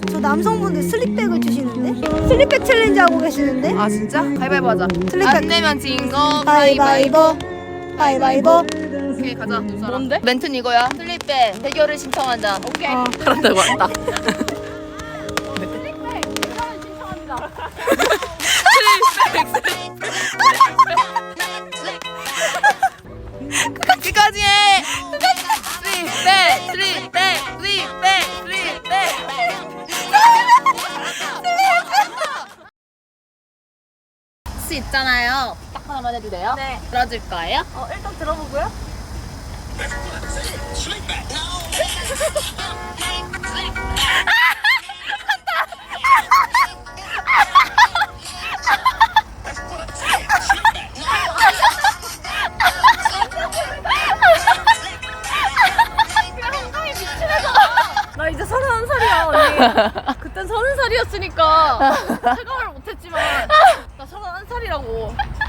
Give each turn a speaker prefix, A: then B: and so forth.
A: 저 남성분들 슬립백을 주시는데? 슬립백 챌린지 하고 계시는데?
B: 아 진짜? 가위바위보 하자.
A: 슬립백.
B: 안 내면 진 거
A: 가위바위보. 가위바위보.
B: 오케이 가자. 뭔데? 멘트는 이거야. 슬립백 대결을 신청한다. 오케이.
C: 그런다고 왔다.
B: 끝까지 해. 슬립백 슬립백 슬립백 슬립백. 혹시 있잖아요. 딱 하나만 해도 돼요?
A: 네.
B: 들어줄 거예요?
A: 일단 들어보고요.
C: 나 이제 31살이야 언니. 그땐 30살이었으니까 체감을 못했지만 나 31살이라고.